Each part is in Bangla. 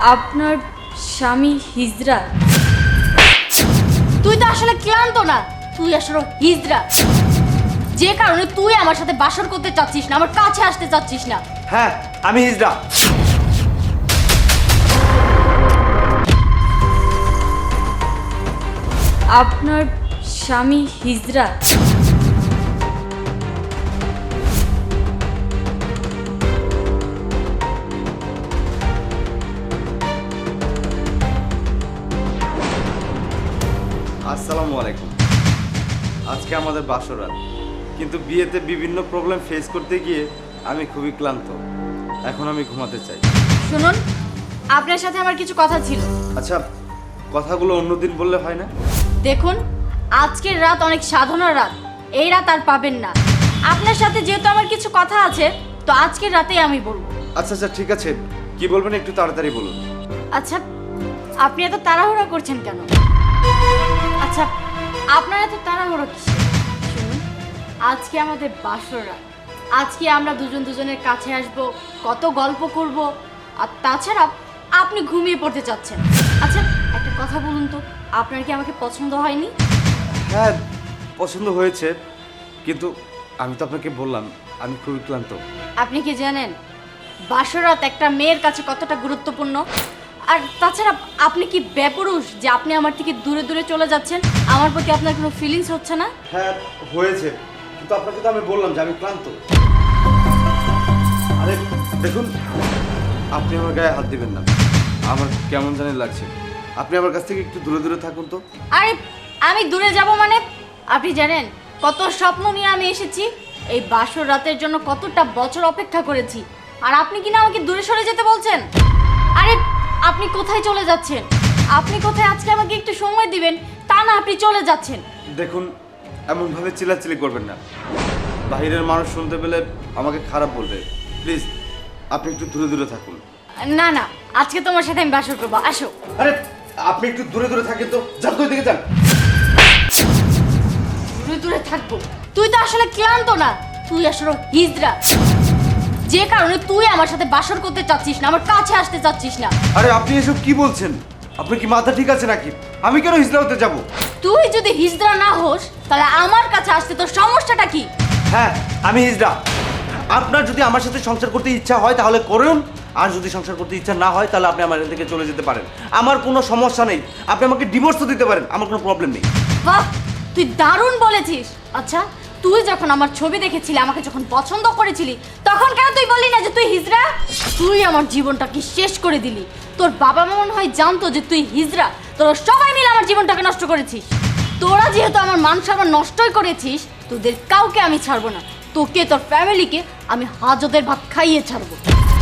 আপনার স্বামী হিজড়া? তুই তো আসলে ক্লান্ত না, তুই আসলে হিজড়া, যে কারণে তুই আমার সাথে বাসর করতে চাচ্ছিস না, আমার কাছে আসতে চাচ্ছিস না। হ্যাঁ, আমি হিজড়া। আপনার স্বামী হিজড়া? আসসালামু আলাইকুম। আজকে আমাদের বাসরাত, কিন্তু বিয়েতে বিভিন্ন প্রবলেম ফেস করতে গিয়ে আমি খুবই ক্লান্ত। এখন আমি ঘুমাতে চাই। শুনুন, আপনার সাথে আমার কিছু কথা ছিল। আচ্ছা, কথাগুলো অন্যদিন বললে হয় না? দেখুন, আজকের রাত অনেক সাধনার রাত, এই রাত আর পাবেন না। আপনার সাথে যেহেতু আমার কিছু কথা আছে, তো আজকের রাতেই আমি বলবো। আচ্ছা আচ্ছা, ঠিক আছে। কি বলবেন একটু তাড়াতাড়ি বলুন। আচ্ছা, আপনি এত তাড়াহুড়ো করছেন কেন? আচ্ছা, আপনার এত তাড়াহুড়ো কিসের? শুনুন, আজকে আমাদের বাসর রাত। আজকে আমরা দুজন দুজনের কাছে আসব, কত গল্প করব, আর তাছাড়া আপনি ঘুমিয়ে পড়তে চাচ্ছেন। আচ্ছা, একটা কথা বলুন তো, আপনার কি আমাকে পছন্দ হয়নি? হ্যাঁ, পছন্দ হয়েছে, কিন্তু আমি তো আপনাকে বললাম আমি খুবই ক্লান্ত। আপনি কি জানেন বাসরাত একটা মেয়ের কাছে কতটা গুরুত্বপূর্ণ? আর তাছাড়া আপনি কি বেপরুষ যে আপনি আমার থেকে দূরে দূরে চলে যাচ্ছেন? আমার প্রতি আপনার কোনো ফিলিংস হচ্ছে না? হ্যাঁ হয়েছে, কিন্তু আপনাকে তো আমি বললাম যে আমি ক্লান্ত। আরে দেখুন, আপনি আমার গায়ে হাত দিবেন না, আমার কেমন জানি লাগছে। আপনি আমার কাছ থেকে একটু দূরে দূরে থাকুন তো। আরে আমি দূরে যাব মানে? আপনি জানেন কত স্বপ্ন নিয়ে আমি এসেছি, এই বাসর রাতের জন্য কতটা বছর অপেক্ষা করেছি, আর আপনি কিনা আমাকে দূরে সরে যেতে বলছেন? আরে আপনি কোথায় চলে যাচ্ছেন? আপনি কোথায়? আজকে আমাকে একটু সময় দিবেন, তা না আপনি চলে যাচ্ছেন। দেখুন, এমনভাবে চিল্লাচিল্লি করবেন না, বাইরের মানুষ শুনতে পেলে আমাকে খারাপ বলবে। প্লিজ আপনি একটু দূরে দূরে থাকুন। না না, আজকে তোমার সাথে আমি বাসর করবো, আসো। আরে আপনি একটু দূরে দূরে থাকেন তো, যান তো ওইদিকে যান। দূরে দূরে থাকবো? তুই তো আসলে ক্লান্ত না, তুই আসলে হিজড়া, যে কারণে তুই আমার সাথে বাসর করতে চাচ্ছিস না, আমার কাছে আসতে চাচ্ছিস না। আরে আপনি এসব কি বলছেন? আপনি কি মাথা ঠিক আছে নাকি? আমি কেন হিজড়া হতে যাব? তুই যদি হিজড়া না হোস, তাহলে আমার কাছে আসতে তোর সমস্যাটা কি? হ্যাঁ, আমি হিজড়া। আপনার যদি আমার সাথে সংসার করতে ইচ্ছা হয় তাহলে করুন, আর যদি সংসার করতে ইচ্ছা না হয় তাহলে আপনি আমার এখান থেকে চলে যেতে পারেন। আমার কোনো সমস্যা নেই, আপনি আমাকে ডিভোর্সও দিতে পারেন, আমার কোনো প্রবলেম নেই। বাহ, তুই দারুণ বলেছিস। আচ্ছা, তুই যখন আমার ছবি দেখেছিলি, আমাকে যখন পছন্দ করেছিলি, তখন কেন তুই বললি না যে তুই হিজড়া? তুই আমার জীবনটাকে শেষ করে দিলি। তোর বাবা মা মনে হয় জানতো যে তুই হিজড়া, তোরা সবাই মিলে আমার জীবনটাকে নষ্ট করেছিস। তোরা যেহেতু আমার মান সম্মান নষ্টই করেছিস, তোদের কাউকে আমি ছাড়বো না। তোকে, তোর ফ্যামিলিকে আমি হাজতের ভাত খাইয়ে ছাড়বো।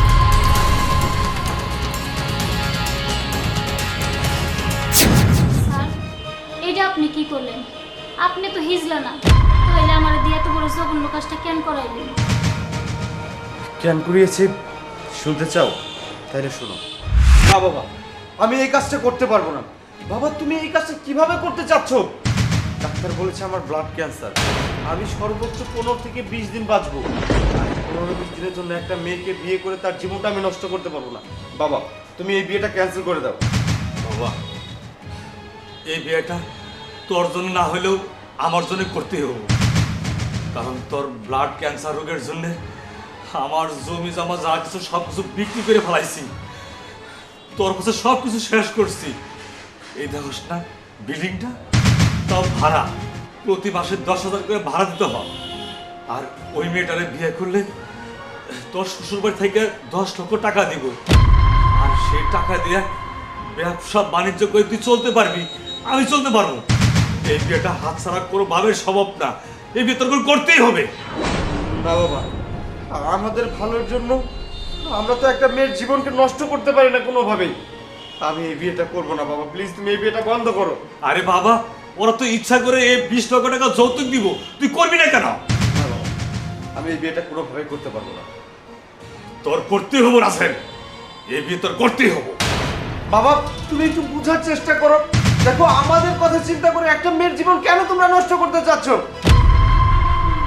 স্যার, এটা আপনি কি করলেন? আপনি তো হিজলা না, তাহলে আমার দিয়ে এত বড় জঘন্য কাজটা কেন করাইলেন? কেন করিয়েছি শুনতে চাও? তাইলে শোনো। না বাবা, আমি এই কাজটা করতে পারবো না। বাবা, তুমি এই কাজটা কিভাবে করতে চাচ্ছ? ডাক্তার বলেছে আমার ব্লাড ক্যান্সার, আমি সর্বোচ্চ 15 থেকে 20 দিন বাঁচবো। আর 15-20 দিনের জন্য একটা মেয়েকে বিয়ে করে তার জীবনটা আমি নষ্ট করতে পারবো না। বাবা, তুমি এই বিয়েটা ক্যান্সেল করে দাও। বাবা, এই বিয়েটা তোর জন্য না হলেও আমার জন্য করতেই হবে, কারণ তোর ব্লাড ক্যান্সার রোগের জন্য আমার জমি জমা যা কিছু সব কিছু বিক্রি করে ফেলাইছি, তোর কাছে সব কিছু শেষ করছি। এই দেখোস না বিল্ডিংটা, তাও ভাড়া, প্রতি মাসে 10,000 করে ভাড়া দিতে হয়। আর ওই মেয়েটারে বিয়ে করলে তোর শ্বশুরবাড়ি থেকে 10 লক্ষ টাকা দিব, আর সেই টাকা দিয়ে ব্যবসা বাণিজ্য করে তুই চলতে পারবি, আমি চলতে পারবো। এই বিয়েটা হাতছাড়া কোনো ভাবের সম্ভব না, এই বিয়ে তোর করে করতেই হবে। না বাবা, আমাদের ভালোর জন্য আমরা তো একটা মেয়ের জীবনকে নষ্ট করতে পারি না কোনোভাবেই। আমি এই বিয়েটা করবো না বাবা, প্লিজ তুমি এই বিয়েটা বন্ধ করো। আরে বাবা, ওরা তো ইচ্ছা করে এই 20 লক্ষ টাকা যৌতুক দিব, তুই করবি না কেন? না বাবা, আমি এই বিয়েটা কোনোভাবেই করতে পারবো না। তোর করতেই হবো রাসেল, এই বিয়ে তোর করতেই হবো। বাবা, তুমি একটু বোঝার চেষ্টা করো। দেখো, আমাদের কথা চিন্তা করে একটা মেয়ের জীবন কেন তোমরা নষ্ট করতে চাচ্ছ?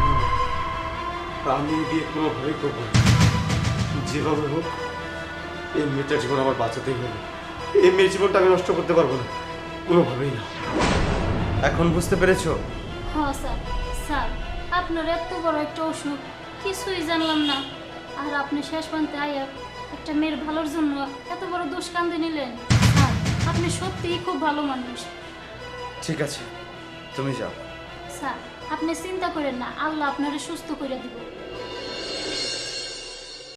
আমি এই বিয়ে কোনোভাবেই করবো না। যেভাবে হোক এই মেয়েটার জীবন আমার বাঁচাতেই হবে। এই মেয়ের জীবনটা আমি নষ্ট করতে পারবো না, কোনোভাবেই না। এখন বুঝতে পেরেছো? হ্যাঁ স্যার। স্যার, আপনার এত বড় একটা অসুখ, কিছুই জানলাম না। আর আপনি শেষ পর্যন্ত আয়া একটা মেয়ের ভালোর জন্য এত বড় দোষ কান্দে নিলেন। স্যার, আপনি সত্যিই খুব ভালো মানুষ। ঠিক আছে, তুমি যাও। স্যার, আপনি চিন্তা করেন না, আল্লাহ আপনারে সুস্থ করে দিব।